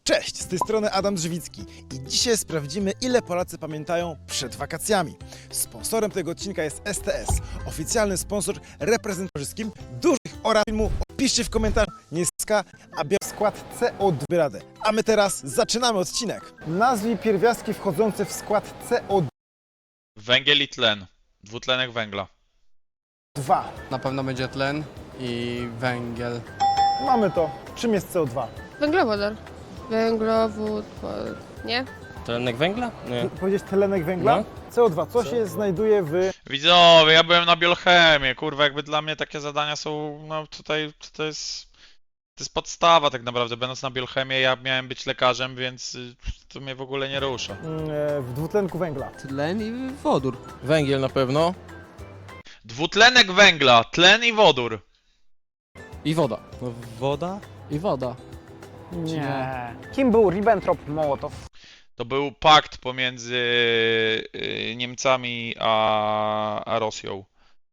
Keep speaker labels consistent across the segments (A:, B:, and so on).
A: Cześć, z tej strony Adam Żywicki i dzisiaj sprawdzimy, ile Polacy pamiętają przed wakacjami. Sponsorem tego odcinka jest STS, oficjalny sponsor reprezentatorskich dużych oraz filmu. Piszcie w komentarzu, nie ska, a biorę skład CO2 radę. A my teraz zaczynamy odcinek. Nazwij pierwiastki wchodzące w skład CO2.
B: Węgiel i tlen. Dwutlenek węgla.
C: Na pewno będzie tlen i węgiel.
A: Mamy to. Czym jest CO2?
D: Węglowodor. Węglowód, nie?
E: Tlenek węgla? Nie.
A: Powiedzieć tlenek węgla?
E: No.
A: CO2, co się znajduje w...
B: Widzowie, ja byłem na biochemii, kurwa, jakby dla mnie takie zadania są, no tutaj, to jest podstawa tak naprawdę. Będąc na biochemię, ja miałem być lekarzem, więc to mnie w ogóle nie rusza.
A: w dwutlenku węgla.
C: Tlen i wodór.
E: Węgiel na pewno.
B: Dwutlenek węgla, tlen i wodór.
C: I woda.
E: No, woda?
C: I woda.
F: Nie. Kim był Ribbentrop-Mołotow?
B: To był pakt pomiędzy Niemcami a Rosją.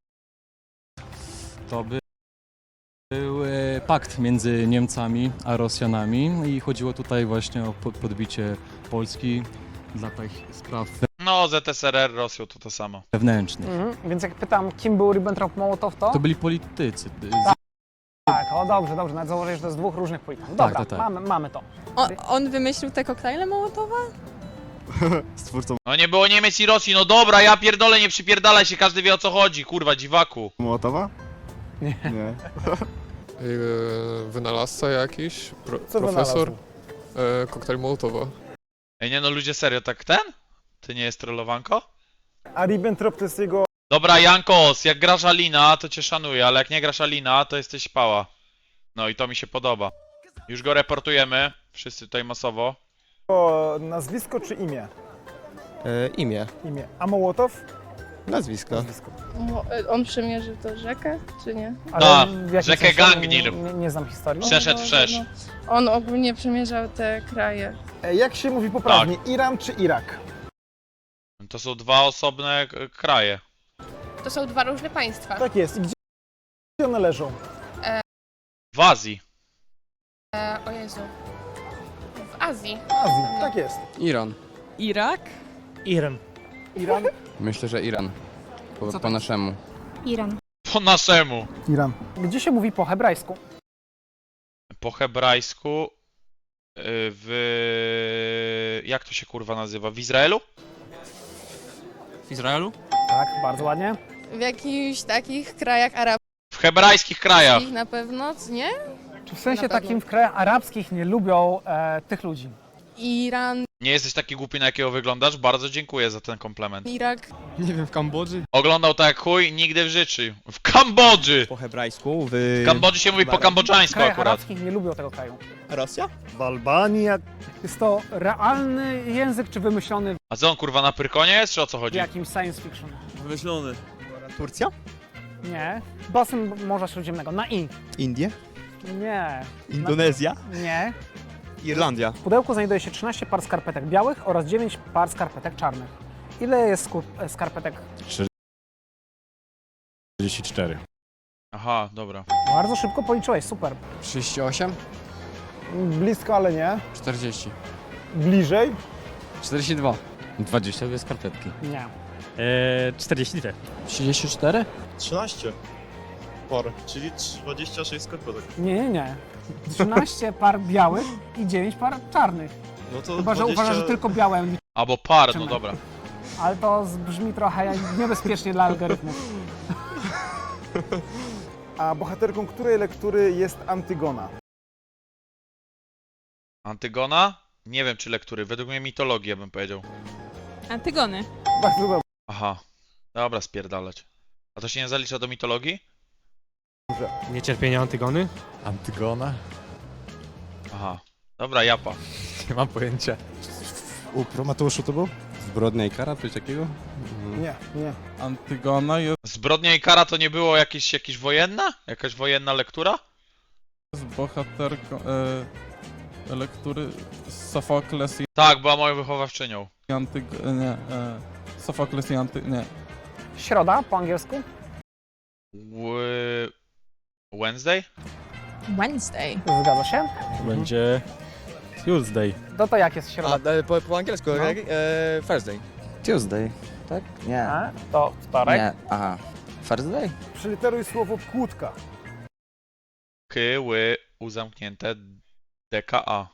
G: To był pakt między Niemcami a Rosjanami i chodziło tutaj właśnie o podbicie Polski dla tych spraw
B: No, ZSRR, Rosją to samo.
G: wewnętrznych.
F: Więc jak pytam, kim był Ribbentrop-Mołotow, to?
G: To byli politycy.
F: Tak, o dobrze, nawet założę, że to jest dwóch różnych polityków. Dobra,
G: tak.
F: Mamy to.
D: On wymyślił te koktajle Mołotowa?
B: No nie było Niemiec i Rosji, no dobra, ja pierdolę, nie przypierdalaj się, każdy wie o co chodzi, kurwa, dziwaku.
H: Mołotowa? Nie.
I: Wynalazca jakiś,
A: Co
I: profesor,
A: wynalazł?
I: koktajl Mołotowa.
B: Ej, nie no, ludzie, serio, tak ten? Ty nie jest trollowanko?
A: A Ribbentrop to jest jego...
B: Dobra, Jankos, jak grasz Alina, to cię szanuję, ale jak nie grasz Alina, to jesteś pała. No i to mi się podoba. Już go reportujemy, wszyscy tutaj masowo.
A: nazwisko czy imię?
H: Imię.
A: Imię. A Mołotow?
H: Nazwisko.
A: Nazwisko.
D: On przemierzył to rzekę, czy nie?
F: W jakim
B: rzekę
F: sensie?
B: Gangnir.
F: Nie znam historii.
B: Przeszedł wszerz.
D: On ogólnie przemierzał te kraje.
A: Jak się mówi poprawnie? Iran czy Irak?
B: To są dwa osobne kraje.
D: To są dwa różne państwa.
A: Tak jest. I gdzie one leżą?
B: W Azji.
D: O Jezu. W Azji.
A: Azji. Tak jest.
C: Iran.
J: Irak?
A: Iran. Iran?
C: Myślę, że Iran. Po naszemu.
J: Iran.
B: Po naszemu.
A: Iran.
F: Gdzie się mówi po hebrajsku?
B: Po hebrajsku. Jak to się kurwa nazywa? W Izraelu?
G: W Izraelu?
F: Tak, bardzo ładnie.
D: W jakichś takich krajach arabskich
B: W hebrajskich krajach.
D: na pewno, nie?
F: Czy w sensie
D: Na pewno.
F: takim w krajach arabskich nie lubią tych ludzi?
D: Iran,
B: Nie jesteś taki głupi, na jakiego wyglądasz? Bardzo dziękuję za ten komplement.
D: Irak.
C: Nie wiem, w Kambodży?
B: Oglądał tak jak chuj, nigdy w życiu. W Kambodży!
H: Po hebrajsku, w...
B: W Kambodży się mówi po
F: W
B: kambodżańsku
F: krajach
B: akurat.
F: arabskich nie lubią tego kraju.
H: Rosja?
A: W Albanii.
F: Jest to realny język, czy wymyślony
B: A co on kurwa na Pyrkonie jest, czy o co
F: w
B: chodzi?
F: jakimś science fiction?
E: Wymyślony.
H: Turcja?
F: Nie. Basen Morza Śródziemnego. Na I.
H: Indie?
F: Nie.
H: Indonezja?
F: Nie.
H: Irlandia?
F: W pudełku znajduje się 13 par skarpetek białych oraz 9 par skarpetek czarnych. Ile jest skarpetek?
G: 44.
B: Aha, dobra.
F: Bardzo szybko policzyłeś, super.
C: 38?
A: Blisko, ale nie.
C: 40.
A: Bliżej.
C: 42.
G: 22 skarpetki.
F: Nie.
E: 42.
C: 34?
K: 13 par, czyli 26 skarpetek.
F: Nie. 13 par białych i 9 par czarnych.
K: No to
F: Chyba, że
K: 20...
F: uważasz, że tylko białe liczy,
B: Albo par, no dobra.
F: ale to brzmi trochę niebezpiecznie dla algorytmów.
A: A bohaterką której lektury jest Antygona?
B: Antygona? Nie wiem czy lektury, według mnie mitologia bym powiedział.
J: Antygony.
A: Bardzo dobrze.
B: Aha. Dobra, spierdalać. A to się nie zalicza do mitologii?
E: Niecierpienie Antygony?
G: Antygona?
B: Aha. Dobra, japa.
G: Nie mam pojęcia.
H: U Prometeuszu to był? Zbrodnia i kara, coś takiego?
A: Nie.
G: Antygona jest
B: Zbrodnia i kara to nie było jakieś wojenna? Jakaś wojenna lektura?
G: bohaterką lektury Sofokles
B: Tak, była moją wychowawczynią.
G: i Nie. Sofokles i Nie.
F: Środa po angielsku?
B: Wednesday?
J: Wednesday.
F: Zgadza się.
E: Będzie
H: Tuesday.
F: No to jak jest środa?
C: Po angielsku,
F: No.
C: Thursday.
L: Tuesday, tak? Nie.
F: A? To wtorek.
L: Nie, aha. Thursday?
A: Przyliteruj słowo kłódka.
B: Ky, u zamknięte, DKA.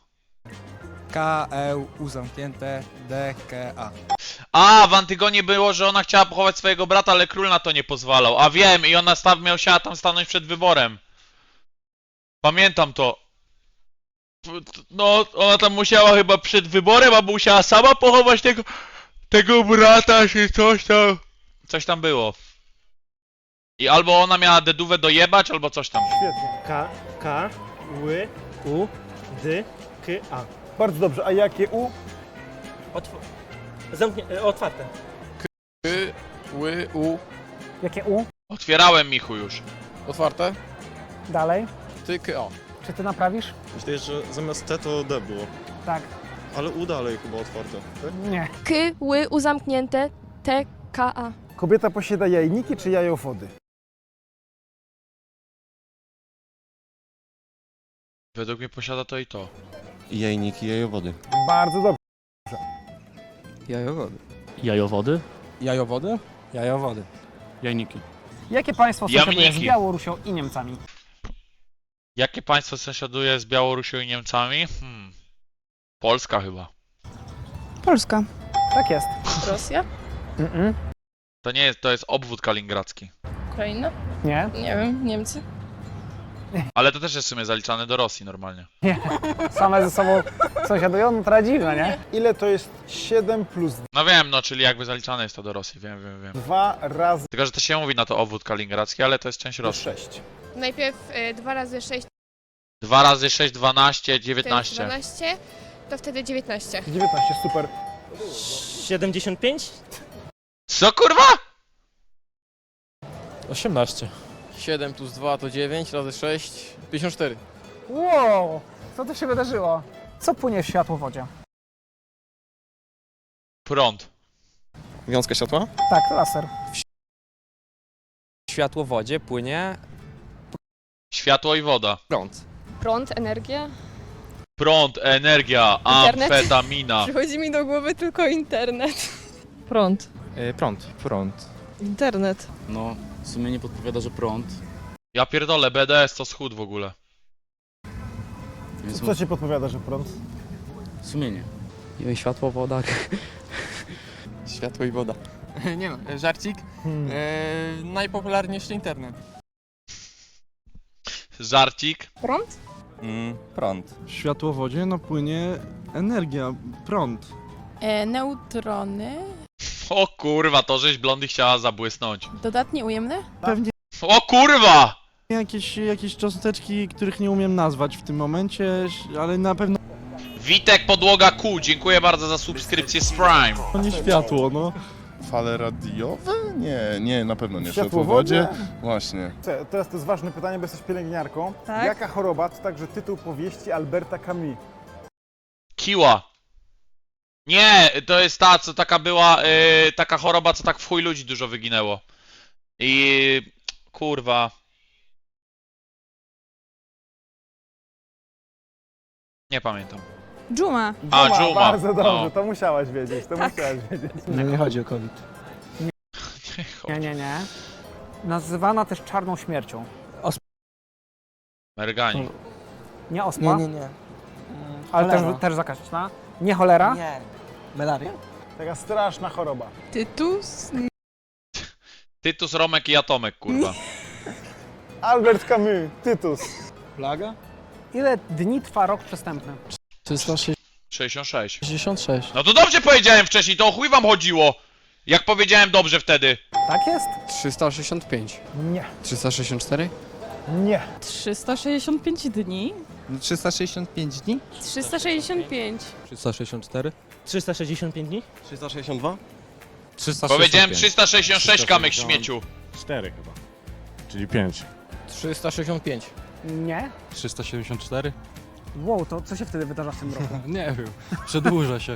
C: KEU zamknięte DKA.
B: A, w Antygonie było, że ona chciała pochować swojego brata, ale król na to nie pozwalał. A wiem, i ona musiała tam stanąć przed wyborem. Pamiętam to. No, ona tam musiała chyba przed wyborem, albo musiała sama pochować tego brata, czy coś tam. Coś tam było. I albo ona miała dedówę dojebać, albo coś tam.
A: Świetnie.
E: K, Ły, U, D, K, A.
A: Bardzo dobrze. A jakie U?
E: Otwarte.
C: Ły, U.
F: Jakie U?
B: Otwierałem, Michu, już.
C: Otwarte.
F: Dalej.
C: Ty, KA.
F: Czy ty naprawisz?
K: Myślę, że zamiast T to D było.
F: Tak.
K: Ale U dalej chyba otwarte. Tak?
F: Nie.
D: K, ły, u zamknięte, T, K, A.
A: Kobieta posiada jajniki czy jajowody?
B: Według mnie posiada to i to.
H: Jajniki, jajowody.
A: Bardzo dobrze.
C: Jajowody.
H: Jajowody?
C: Jajowody?
H: Jajowody. Jajniki.
F: Jakie państwo sąsiaduje z
B: Jamniki.
F: Białorusią i Niemcami?
B: Jakie państwo sąsiaduje z Białorusią i Niemcami? Polska chyba.
J: Polska.
F: Tak jest.
D: Rosja?
B: To nie jest, to jest obwód kaliningradzki.
D: Ukraina?
F: Nie.
D: Nie wiem, Niemcy?
B: Ale to też jest w sumie zaliczane do Rosji normalnie.
F: Same ze sobą sąsiadują? No to dziwne, nie?
A: Ile to jest 7 plus
B: No wiem, no czyli jakby zaliczane jest to do Rosji, wiem.
A: 2 razy
B: Tylko, że to się mówi na to obwód kaliningradzki, ale to jest część Rosji.
A: 6?
D: Najpierw 2 razy 6
B: 2 razy 6, 12,
D: to jest
B: 19.
D: 12, to wtedy 19.
A: 19, super.
E: 75?
B: Co kurwa?
E: 18.
C: 7 plus 2 to 9, razy 6, 54.
F: Wow! Co tu się wydarzyło? Co płynie w światłowodzie?
B: Prąd.
K: Wiązka światła?
F: Tak, laser.
C: W światłowodzie płynie
B: Światło i woda.
C: prąd.
D: Prąd, energia?
B: Prąd, energia,
D: Internet?
B: amfetamina.
D: Przychodzi mi do głowy tylko internet. Prąd.
C: Prąd.
D: Internet.
G: No, w sumie nie podpowiada, że prąd.
B: Ja pierdolę, BDS to schód w ogóle.
G: Więc
A: Co ci podpowiada, że prąd?
G: sumienie.
C: Światło, woda.
E: Światło i woda.
C: Nie no, żarcik. Najpopularniejszy internet.
B: Żarcik.
D: Prąd?
H: Prąd.
E: W światłowodzie no płynie energia, prąd.
J: Neutrony.
B: O kurwa, to żeś blondy chciała zabłysnąć.
J: Dodatnie ujemne?
E: Pewnie
B: O kurwa!
E: jakieś cząsteczki, których nie umiem nazwać w tym momencie, ale na pewno
B: Witek Podłoga Q, dziękuję bardzo za subskrypcję z Prime.
E: nie światło, no.
K: Fale radiowe? Nie, na pewno nie. W
A: Światłowodzie?
K: światłowodzie? Właśnie.
A: Teraz to jest ważne pytanie, bo jesteś pielęgniarką.
J: Tak.
A: Jaka choroba to także tytuł powieści Alberta Camus?
B: Kiła. Nie, to jest ta, co taka była, taka choroba, co tak w chuj ludzi dużo wyginęło. I... kurwa. Nie pamiętam.
J: Dżuma.
B: A, Dżuma.
A: Bardzo dobrze,
B: No.
A: to musiałaś wiedzieć,
E: Nie chodzi o COVID.
F: Nie. Nazywana też czarną śmiercią.
B: Mergani.
F: Nie ospa.
L: nie.
F: Ale
L: Cholera.
F: też zakaźna. Nie cholera.
L: Nie. Malaria?
A: Taka straszna choroba.
J: Tytus.
B: Tytus, Romek i Atomek, kurwa.
A: Albert Camus, Tytus.
C: Plaga?
F: Ile dni trwa rok przestępny?
B: 66.
C: 366.
B: No to dobrze powiedziałem wcześniej, to o chuj wam chodziło. Jak powiedziałem dobrze wtedy.
F: Tak jest?
C: 365.
A: Nie.
C: 364?
A: Nie.
J: 365 dni.
H: 365 dni?
D: 365.
C: 364?
E: 365 dni?
H: 362?
B: Powiedziałem 366, kamyk śmieciu.
H: 4 chyba. Czyli 5.
C: 365.
F: Nie.
G: 374?
F: Wow, to co się wtedy wydarza w tym roku?
G: Nie wiem. Przedłuża się.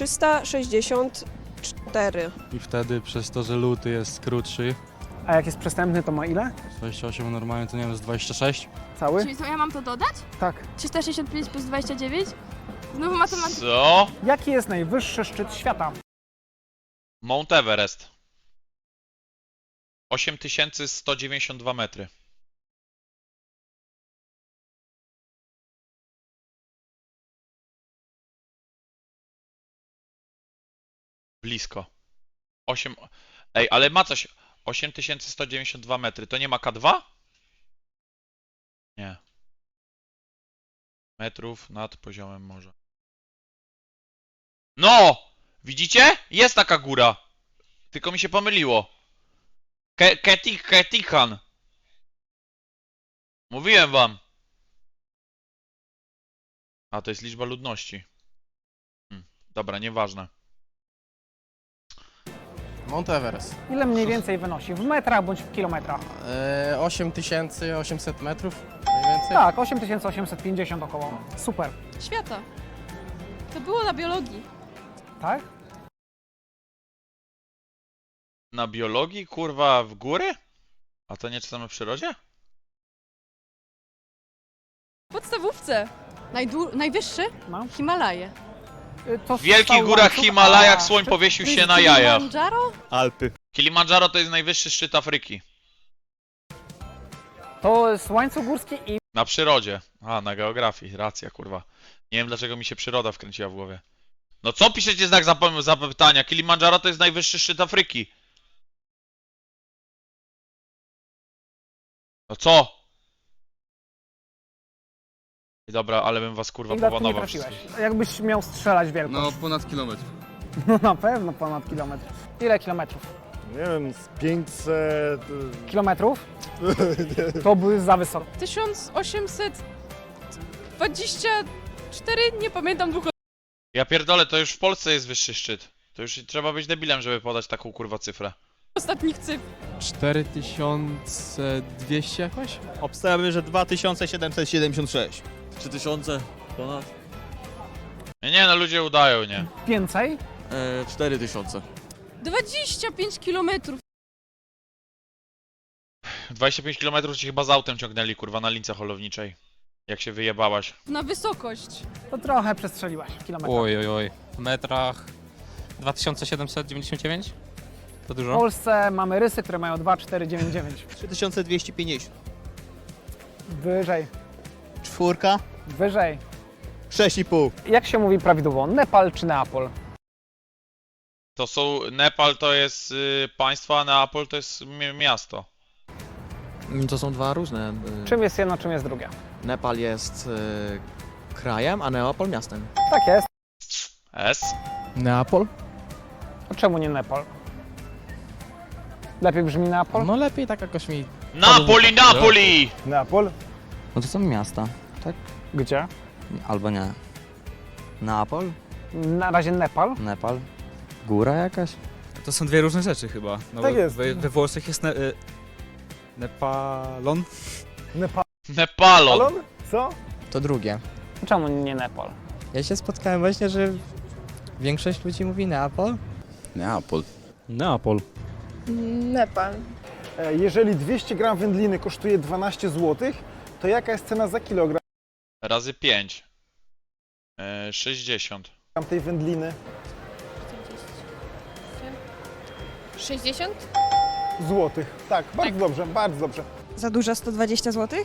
J: 364.
G: I wtedy przez to, że luty jest krótszy,
F: A jak jest przestępny, to ma ile?
G: 28 normalnie to nie wiem, jest 26.
F: Cały?
D: Czyli co, ja mam to dodać?
F: Tak.
D: 365 plus 29?
J: Znowu matematyka.
B: Co?
F: Jaki jest najwyższy szczyt świata?
B: Mount Everest. 8192 metry. Blisko. 8. Ej, ale ma coś. 8192 metry. To nie ma K2? Nie. Metrów nad poziomem morza. No! Widzicie? Jest taka góra. Tylko mi się pomyliło. Ketikan. Mówiłem wam. A, to jest liczba ludności. Dobra, nieważne.
C: Mount Everest.
F: Ile mniej więcej wynosi? W metrach bądź w kilometrach?
C: 8800 metrów mniej więcej.
F: Tak, 8850 około. Super.
J: Świata. To było na biologii.
F: Tak?
B: Na biologii, kurwa, w góry? A to nie czytamy w przyrodzie?
J: W podstawówce. Najwyższy?
F: No.
J: Himalaje.
F: To
B: W wielkich
F: cały
B: górach
F: łańcuch,
B: Himalajach
F: a
B: słoń
F: szczyt-
B: powiesił się na jajach.
J: Kilimandżaro?
H: Alpy.
B: Kilimandżaro to jest najwyższy szczyt Afryki.
F: To jest łańcuch górski i
B: Na przyrodzie. A, na geografii. Racja, kurwa. Nie wiem, dlaczego mi się przyroda wkręciła w głowie. No co piszecie znak zapytania? Kilimandżaro to jest najwyższy szczyt Afryki. No co? Dobra, ale bym was kurwa
F: ile tu nie
B: powanował
F: trafiłeś?
B: wszystkich.
F: Jakbyś miał strzelać wielkość?
I: No, ponad kilometr.
F: No na pewno ponad kilometr. Ile kilometrów?
H: Nie wiem, z 500...
F: Kilometrów? To były za wysoko.
J: 1824? Nie pamiętam dwóch.
B: Ja pierdolę, to już w Polsce jest wyższy szczyt. To już trzeba być debilem, żeby podać taką kurwa cyfrę.
J: Ostatnich cyfr.
C: 4200 jakoś?
L: Obstawiamy, że 2776.
C: 3000 ponad?
B: Nie no, ludzie udają, nie?
F: Więcej?
C: 4000.
J: 25 kilometrów.
B: 25 km ci chyba z autem ciągnęli, kurwa, na lince holowniczej. Jak się wyjebałaś.
J: Na wysokość.
F: To trochę przestrzeliłaś w kilometrach.
C: Oj. W metrach 2799? To
F: W
C: dużo?
F: Polsce mamy rysy, które mają 2,499.
L: 3250.
F: Wyżej,
L: Czwórka.
F: wyżej.
L: 6,5.
F: Jak się mówi prawidłowo? Nepal czy Neapol?
B: To są... Nepal to jest państwo, a Neapol to jest miasto.
L: To są dwa różne.
F: Czym jest jedno, czym jest drugie?
L: Nepal jest krajem, a Neapol miastem.
F: Tak jest.
B: S?
C: Neapol?
F: A czemu nie Nepal? Lepiej brzmi Neapol?
C: No lepiej tak jakoś mi...
B: Napoli, Napoli!
F: Neapol?
L: No to są miasta, tak?
F: Gdzie?
L: Albo nie. Neapol?
F: Na razie Nepal.
L: Nepal? Góra jakaś?
H: To są dwie różne rzeczy chyba. No
F: Tak
H: bo
F: jest.
H: We Włoszech jest Nepalon.
B: Nepalon.
F: Co?
L: To drugie.
F: Czemu nie Nepal?
L: Ja się spotkałem właśnie, że większość ludzi mówi Neapol.
K: Neapol.
H: Neapol.
D: Nepal.
A: Jeżeli 200 gram wędliny kosztuje 12 zł, to jaka jest cena za kilogram
B: Razy 5. 60.
A: tej wędliny?
D: 60?
A: Złotych. Tak, bardzo dobrze, bardzo dobrze.
D: Za dużo 120 zł?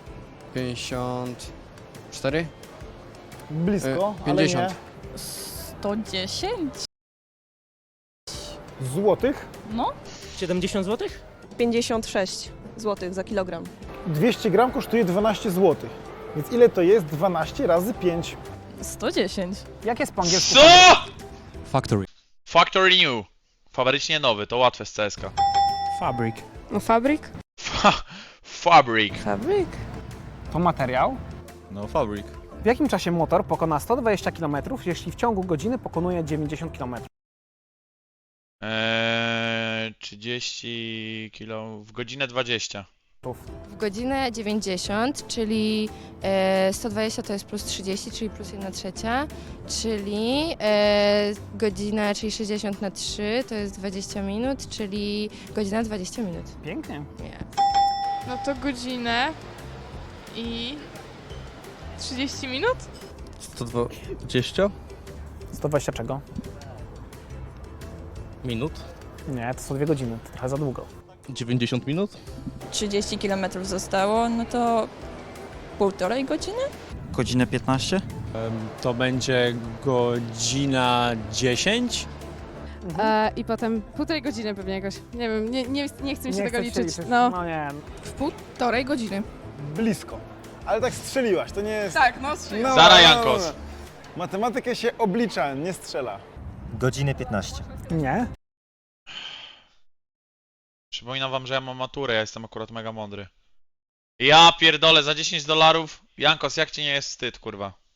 C: 54?
A: Blisko, ale nie.
C: 50.
J: 110?
A: Złotych?
J: No.
C: 70 zł?
D: 56 zł za kilogram.
A: 200 gram kosztuje 12 zł. Więc ile to jest 12 razy 5?
J: 110.
F: Jak jest po angielsku?
B: Co?!
G: Factory.
B: Factory New. Fabrycznie nowy, to łatwe z CSK.
E: Fabryk.
D: No fabryk?
B: Fabric.
D: Fabryk.
F: To materiał.
H: No, fabryk.
F: W jakim czasie motor pokona 120 km, jeśli w ciągu godziny pokonuje 90 km?
B: 30 kilo w godzinę 20.
D: W godzinę 90, czyli 120 to jest plus 30, czyli plus 1/3, czyli godzina, czyli 60 na 3 to jest 20 minut, czyli godzina 20 minut.
F: Pięknie.
D: Nie.
J: No to godzinę i 30 minut?
L: 120
F: 120 czego?
L: minut,
F: Nie, to są 2 godziny, to trochę za długo.
L: 90 minut,
J: 30 km zostało, no to 1,5 godziny?
L: godzinę 15.
H: To będzie godzina 10.
J: I potem 1,5 godziny pewnie jakoś. Nie wiem, nie chcę mi się
F: Nie
J: tego
F: chcę
J: liczyć.
F: liczyć.
J: No,
F: No nie,
J: 1,5 godziny.
A: Blisko. Ale tak strzeliłaś, to nie jest...
J: Tak, no
B: Zara Jankos.
A: Matematykę się oblicza, nie strzela.
L: Godzinę 15.
F: nie.
B: Przypominam wam, że ja mam maturę, ja jestem akurat mega mądry. Ja pierdolę, za $10. Jankos, jak ci nie jest wstyd, kurwa?